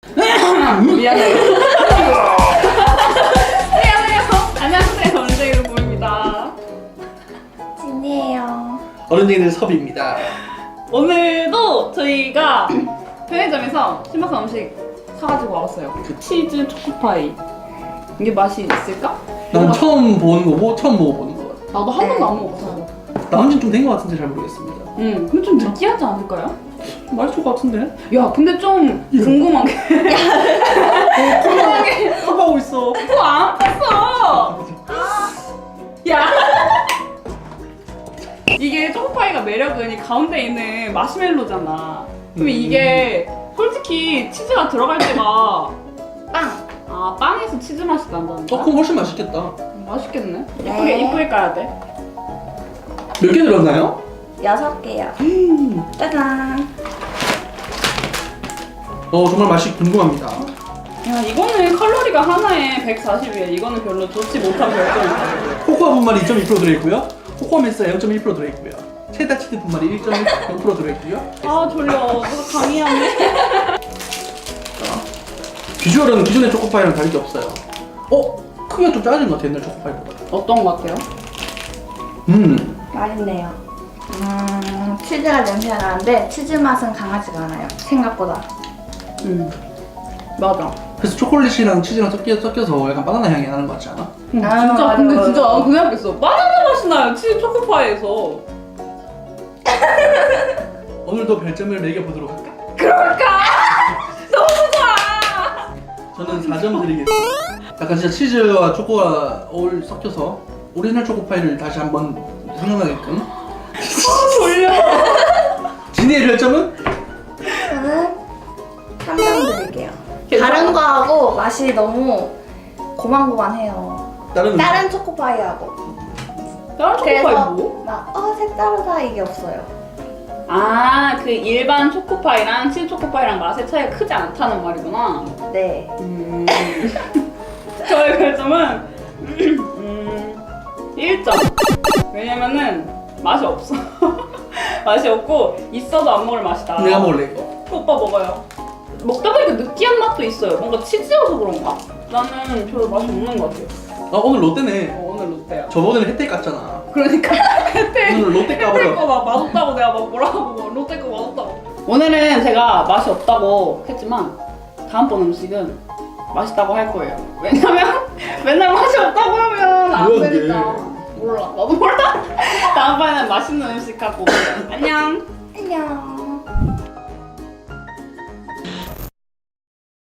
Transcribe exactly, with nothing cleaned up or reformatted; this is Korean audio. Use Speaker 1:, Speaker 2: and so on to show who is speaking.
Speaker 1: 미안해요. 미안해요. 안녕하세요. 원재유 보입니다.
Speaker 2: 진이에요.
Speaker 3: 어른이들 섭입니다.
Speaker 1: 오늘도 저희가 편의점에서 신박한 음식 사가지고 와봤어요. 그 치즈 초코파이. 이게 맛이 있을까?
Speaker 3: 난 처음 보는 거고 처음 먹어보는 거.
Speaker 1: 나도 한 번도 안 먹어봤어.
Speaker 3: 나온 지는 좀 된 거 같은데 잘 모르겠습니다.
Speaker 1: 응, 근데 좀 느끼하지 않을까요?
Speaker 3: 맛있을 것 같은데?
Speaker 1: 야, 근데 좀 궁금한 게. 궁금한 게.
Speaker 3: 하고 있어.
Speaker 1: 그거 안 뺐어! 야! 이게 초코파이가 매력은 이 가운데 있는 마시멜로잖아. 그럼
Speaker 3: 음.
Speaker 1: 이게 솔직히 치즈가 들어갈 때가 빵! 아, 빵에서 치즈 맛이 난다는
Speaker 3: 어,
Speaker 1: 거야?
Speaker 3: 그럼 훨씬 맛있겠다.
Speaker 1: 음, 맛있겠네.
Speaker 2: 네.
Speaker 1: 이쁘게, 이쁘게 까야 돼.
Speaker 3: 몇 개 들었나요?
Speaker 2: 여섯 개요. 짜잔.
Speaker 3: 어, 정말 맛이 궁금합니다.
Speaker 1: 야, 이거는 칼로리가 하나에 백사십이야. 이거는 별로 좋지 못한 별점이다.
Speaker 3: 코코아 분말이 이 점 이 퍼센트 들어있고요. 코코아 메스가 영 점 일 퍼센트 들어있고요. 체다 치즈 분말이 일 점 영 퍼센트 들어있고요.
Speaker 1: 아, 졸려. 누가 강의하네.
Speaker 3: 비주얼은 기존의 초코파이랑 다를 게 없어요. 어? 크기가 좀 작은 것 같아, 옛날 초코파이보다.
Speaker 1: 어떤 거 같아요?
Speaker 3: 음.
Speaker 2: 맛있네요. 음, 치즈가 냄새가 나는데 치즈 맛은 강하지가 않아요. 생각보다.
Speaker 1: 음, 맞아.
Speaker 3: 그래서 초콜릿이랑 치즈랑 섞여, 섞여서 약간 바나나 향이 나는 것 같지 않아?
Speaker 1: 음,
Speaker 2: 아,
Speaker 1: 진짜
Speaker 2: 맞아,
Speaker 1: 근데
Speaker 2: 맞아.
Speaker 1: 진짜 나도 그 생각했어. 바나나 맛이 나요. 치즈 초코파이에서.
Speaker 3: 오늘도 별점을 매겨보도록 할까?
Speaker 1: 그럴까? 너무 좋아.
Speaker 3: 저는 사 점 드리겠습니다. 약간 진짜 치즈와 초코가 어울 섞여서 오리지널 초코파이를 다시 한번 생각나게끔.
Speaker 1: 아, 졸려.
Speaker 3: 진이의 별점은?
Speaker 2: 저는 삼 점 드릴게요.
Speaker 1: 괜찮아?
Speaker 2: 다른 거하고 맛이 너무 고만고만해요.
Speaker 3: 다른 음식?
Speaker 2: 다른 초코파이하고.
Speaker 1: 다른 초코파이
Speaker 2: 그래서
Speaker 1: 뭐?
Speaker 2: 막 어 색다르다 이게 없어요.
Speaker 1: 아, 그 일반 초코파이랑 치즈 초코파이랑 맛의 차이가 크지 않다는 말이구나.
Speaker 2: 네.
Speaker 1: 음. 저의 별점은 음, 일 점. 왜냐면은 맛이 없어. 맛이 없고 있어도 안 먹을 맛이다.
Speaker 3: 내가 먹을래 이거.
Speaker 1: 오빠 먹어요. 먹다 보니까 느끼한 맛도 있어요. 뭔가 치즈여서 그런가? 나는 별로 맛이 없는 것 같아요.
Speaker 3: 아 오늘 롯데네.
Speaker 1: 어, 오늘 롯데야.
Speaker 3: 저번에는 혜택 갔잖아.
Speaker 1: 그러니까 혜택
Speaker 3: 오늘 롯데
Speaker 1: 혜택
Speaker 3: 까버려.
Speaker 1: 거막 맛없다고 내가 막 뭐라고 막 롯데 거 맛없다고. 오늘은 제가 맛이 없다고 했지만 다음번 음식은 맛있다고 할 거예요. 왜냐면 맨날 맛이 없다고 하면 안
Speaker 3: 뭐야, 그게?
Speaker 1: 되니까. 몰라. 나도 몰라. 다음번에는 맛있는 음식 갖고 올게요. 안녕.
Speaker 2: 안녕.